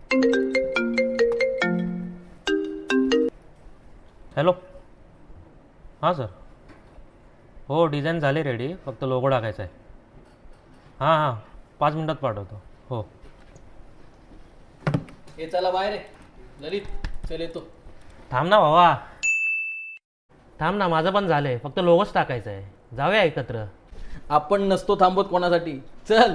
Hello. हां sir. हो design झाली रेडी, फक्त लोगो टाकायचा आहे. हां हां 5 मिनटात पाठवतो. हो. हे चला बाहेर आहे. ललित चल येतो. थांब ना भावा, थांब ना, माझं पण झालं आहे, फक्त लोगोच टाकायचं आहे. जाऊया एकत्र. आपण नसतो थांबत कोणासाठी. चल.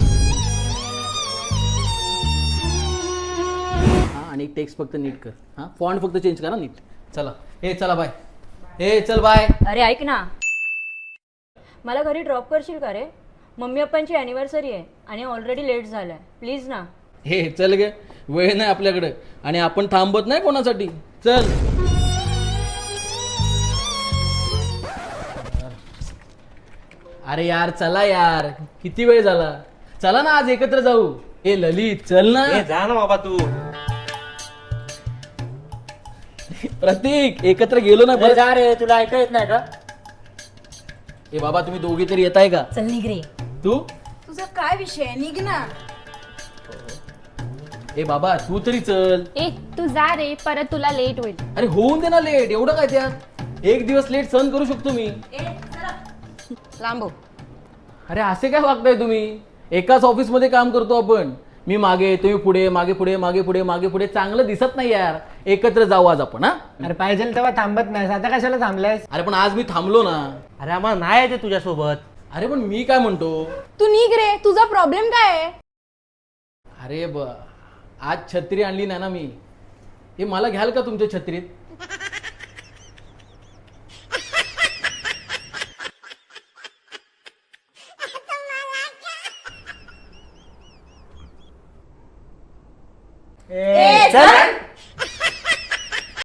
हा आणि टेक्स्ट फक्त नीट कर. हा फॉन्ट फक्त चेंज करा नीट. चला. हे चला बाय. हे चल बाय. अरे ऐक ना, मला घरी ड्रॉप करशील का रे? मम्मी पप्पांची ॲनिव्हर्सरी आहे आणि ऑलरेडी लेट झालाय, प्लीज ना. हे चल गे, वेळ नाही आपल्याकडे आणि आपण थांबत नाही कोणासाठी. चल. अरे यार चला यार, किती वेळ झाला. चला ना आज एकत्र जाऊ. ए ललित चल ना. जा ना बाबा तू. प्रतीक एकत्र गेलो ना जा रे, तुला ऐका येत नाही का? ए बाबा तुम्ही दोघी तरी येताय का? चल निघ रे. तू तुझा काय विषय आहे? निघ ना. ए बाबा तू तरी चल. ए तू जा रे, परत तुला लेट होईल. अरे होऊन दे ना लेट, एवढं काय त्यात. एक दिवस लेट सहन करू शकतो मी. लांबो. अरे असे काय वागताय तुम्ही? एकाच ऑफिस मध्ये काम करतो आपण. मी मागे, तुम्ही पुढे, मागे पुढे, मागे पुढे, मागे पुढे. चांगलं दिसत नाही यार. एकत्र जाऊ आज आपण. हा अरे पाहिजे तेव्हा थांबत नाहीस, आता कशाला थांबलायस? अरे पण आज मी थांबलो ना. अरे आम्हाला नाही आहे ते तुझ्यासोबत. अरे पण मी काय म्हणतो. तू निघ रे, तुझा प्रॉब्लेम काय आहे? अरे आज छत्री आणली नाही ना मी. हे मला घ्याल का तुमच्या छत्रीत? ए, चल.